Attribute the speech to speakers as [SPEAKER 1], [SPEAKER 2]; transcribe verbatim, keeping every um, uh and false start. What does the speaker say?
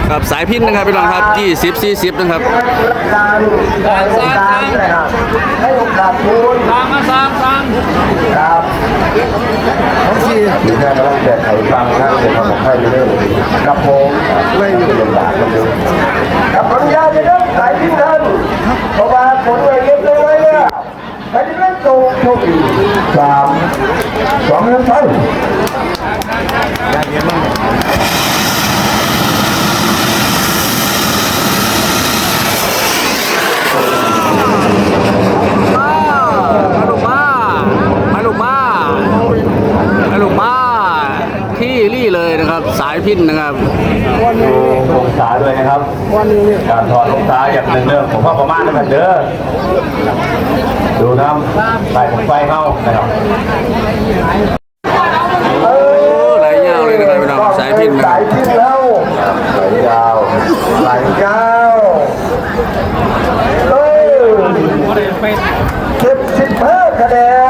[SPEAKER 1] ครับสายพินนะครับพี่น้องครับยี่สิบสี่สิบนะครับ
[SPEAKER 2] การสร้างสร้างให้โอกาสคุณสร้างมาสร้างสร้างครับที่ที่แม่กำลังแก้ไขฟังนะเดี๋ยวทำของใครไปเรื่อยกับผมไม่อยู่ลำบากกับผมกับผลยาจะเริ่มสายพินทันเพราะว่าผลเลยเก็บเลยไว้เนี่ยไปที่เล่นโตโชคดีสามสองหนึ่งไป
[SPEAKER 1] มาลูกมามาลูกมามาลูกมาที่รี่เลยนะครับสายพินนะครับ
[SPEAKER 2] ดูลงขาด้วยนะครับการถอดลงขาอย่างหนึ่งเรื่องผมว่าประมาณนั้นเด้อดูน้ำใส่ผมไฟเข้านะครับ
[SPEAKER 1] ไหลยาวเลยนะครับพี่น้องสายพินนะครับ
[SPEAKER 2] สายพินแล้วไหลยาวไหลยาวเออเก็บสิบห้าคะแนน